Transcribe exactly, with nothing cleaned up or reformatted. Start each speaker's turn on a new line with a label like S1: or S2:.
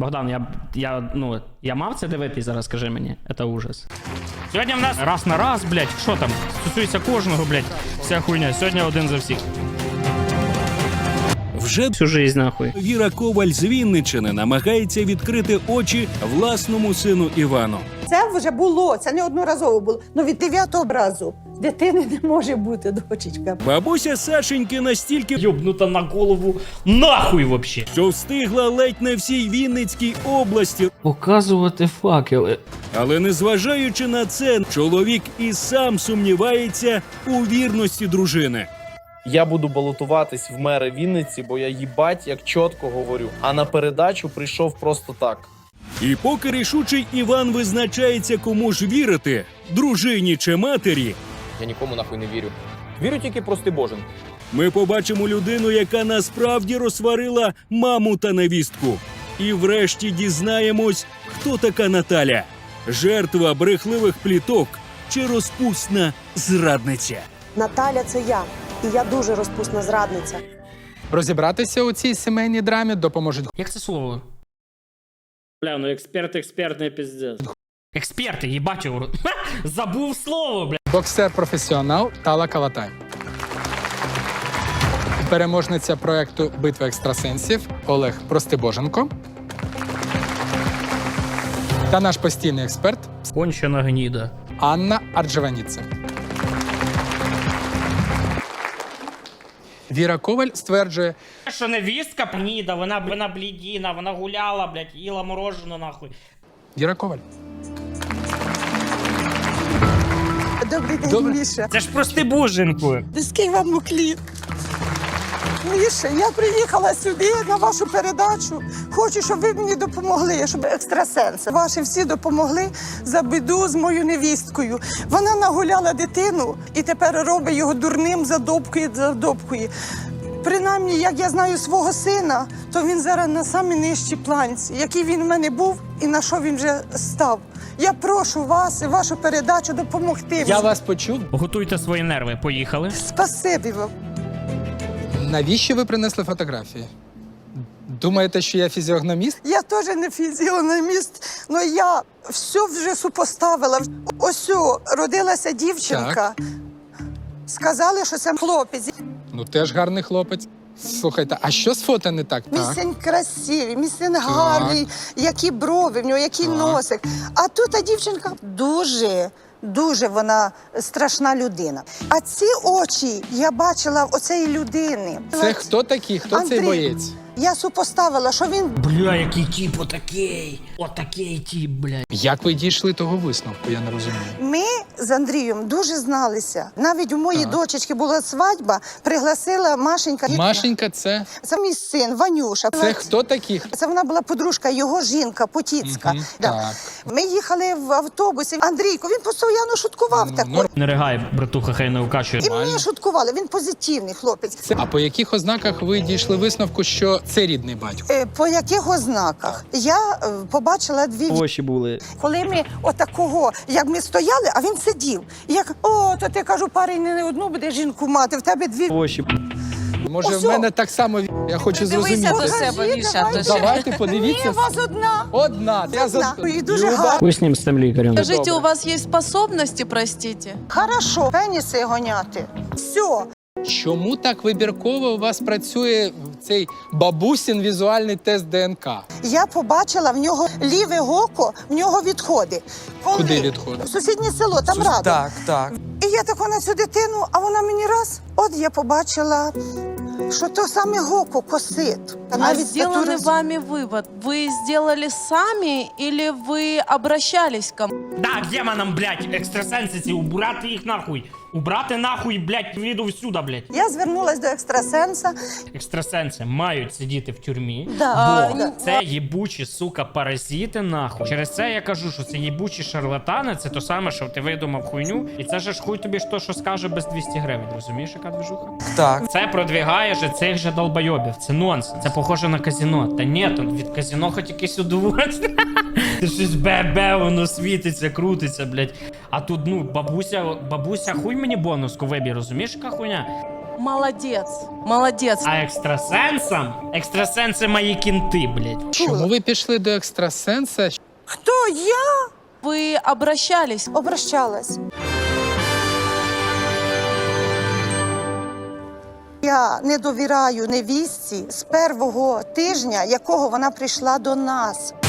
S1: Богдан, я, я, ну, я мав це дивитись зараз, скажи мені. Це ужас. Сьогодні в нас раз на раз, блядь, що там? Стосується кожного, блядь, вся хуйня. Сьогодні один за всіх.
S2: Вже
S1: всю жизнь, нахуй.
S2: Віра Коваль з Вінниччини намагається відкрити очі власному сину Івану.
S3: Це вже було, це не одноразово було. Ну від дев'ятого разу дитини не може бути, дочечка.
S2: Бабуся Сашеньки настільки
S1: Йобнута на голову нахуй вообще.
S2: що встигла ледь не всій Вінницькій області.
S1: Показувати факели.
S2: Але незважаючи на це, чоловік і сам сумнівається у вірності дружини.
S4: Я буду балотуватись в мери Вінниці, бо я їбать як чітко говорю. А на передачу прийшов просто так.
S2: І поки рішучий Іван визначається, кому ж вірити – дружині чи матері,
S5: Я нікому нахуй не вірю. Вірю тільки прости Божен.
S2: ми побачимо людину, яка насправді розсварила маму та невістку. І врешті дізнаємось, хто така Наталя – жертва брехливих пліток чи розпусна зрадниця.
S3: Наталя, це я. І я дуже розпусна зрадниця.
S6: Розібратися у цій сімейній драмі допоможуть
S1: Як це слово?
S7: Бля, ну експерт експертний пиздец.
S1: Експерти, їбать його. Забув слово, бля.
S6: боксер-професіонал Тала Калатай. Переможниця проекту «Битва екстрасенсів» Олег Простибоженко. Та наш постійний експерт
S1: Кончена гніда.
S6: Анна Арджеваніце. Віра Коваль стверджує,
S1: Що невістка гніда, вона, вона блідіна, вона гуляла, блядь, їла мороженое, нахуй.
S6: Віра Коваль.
S3: Добрий день,
S6: Добре.
S3: Міша.
S1: Це ж прости боженьку.
S3: Низький вам уклін. Міша, я приїхала сюди на вашу передачу. Хочу, щоб ви мені допомогли, щоб екстрасенси ваші всі допомогли за біду з моєю невісткою. Вона нагуляла дитину і тепер робить його дурним, задобкує, задобкує. Принаймні, як я знаю свого сина, то він зараз на самій нижчій планці, який він в мене був і на що він вже став. Я прошу вас і вашу передачу допомогти.
S6: Я вас почув.
S1: Готуйте свої нерви, поїхали.
S3: Спасибі вам.
S6: Навіщо ви принесли фотографії? Думаєте, що я фізіогноміст?
S3: Я теж не фізіономіст, але я все вже супоставила. Ось о, родилася дівчинка. Сказали, що це хлопець.
S6: Ну, теж гарний хлопець. Слухайте, а що з фото не так?
S3: Мій
S6: Так.
S3: син красивий, мій син гарний, які брови в нього, який
S6: Так.
S3: носик. А тут та дівчинка дуже, дуже вона страшна людина. А ці очі я бачила в оцеї людини.
S6: Це хто такий? Хто
S3: Андрій.
S6: цей боєць?
S3: Я супоставила, що він
S1: Бля, який тип, отакий. Отакий тип, блядь.
S6: Як ви дійшли того висновку, я не розумію.
S3: Ми з Андрієм дуже зналися. Навіть у моєї
S6: Так.
S3: дочечки була свадьба, пригласила Машенька.
S6: Машенька, це,
S3: Це мій син, Ванюша.
S6: це хто такий?
S3: Це вона була подружка, його жінка, Потіцька.
S6: Мгм,
S3: Да.
S6: так.
S3: Ми їхали в автобусі. Андрійко, він постійно шуткував так.
S6: норм.
S1: Не ригай, братуха, хай не укачує.
S3: І мені шуткували, він позитивний хлопець.
S6: Це- А по яких ознаках ви дійшли висновку, що це рідний батько?
S3: Е, По яких ознаках? Я е, побачила дві ві-
S7: Очі були.
S3: Коли ми отакого, як ми стояли, а він сидів. І як, о, то ти, кажу, парень не одну буде жінку мати, в тебе дві.
S7: Очі.
S6: Може,
S3: Осьо.
S6: в мене так само, я хочу зрозуміти.
S3: до себе, Міша,
S6: Ну, давайте,
S3: Ні,
S6: подивіться.
S3: у вас одна.
S6: Одна. Я
S3: Одна.
S6: за...
S3: І дуже
S6: Люба.
S3: гарна.
S1: Хуй з ним, з тим лікарем.
S8: Скажите, у вас есть способности, простите?
S3: Хорошо, пеніси гоняти. Все.
S6: Чому так вибірково у вас працює цей бабусін візуальний тест ДНК?
S3: Я побачила в нього ліве око, в нього відходи. Коли
S6: Куди відходи?
S3: В сусіднє село, там радо.
S4: Так, так.
S3: І я тако на цю дитину, а вона мені раз, от я побачила, що то саме око косить.
S8: А
S3: Навіть
S8: сделанный
S3: тату роз-
S8: вами вывод, вы сделали сами или вы обращались к кому?
S1: Да, демонам, блядь, екстрасенси ці, убрати їх нахуй. Убрати нахуй, блядь, віду всюди, блядь.
S3: Я звернулась до екстрасенса.
S1: Екстрасенси мають сидіти в тюрмі,
S3: Да.
S1: бо
S3: Да.
S1: це їбучі, сука, паразити, нахуй. Через це я кажу, що це їбучі шарлатани, це то саме, що ти видумав хуйню, і це ж хуй тобі ж то, що скаже без двісті гривень, розумієш, яка движуха?
S4: Так.
S1: Це продвігає же цих же долбойобів, це нонсенс, це похоже на казино. Та ні, то від казино хоч якесь удовольствие. Ти щось бе-бе, воно світиться, крутиться, блядь. А тут, ну, бабуся, бабуся, хуй мені бонуску вибір, розумієш, яка хуйня?
S8: Молодец, молодец.
S1: А екстрасенсам? Екстрасенси мої кінти, блядь.
S6: Чому ви пішли до екстрасенса?
S3: Хто я?
S8: Вы обращались?
S3: Обращалась. Я не довіряю невістці з першого тижня, якого вона прийшла до нас.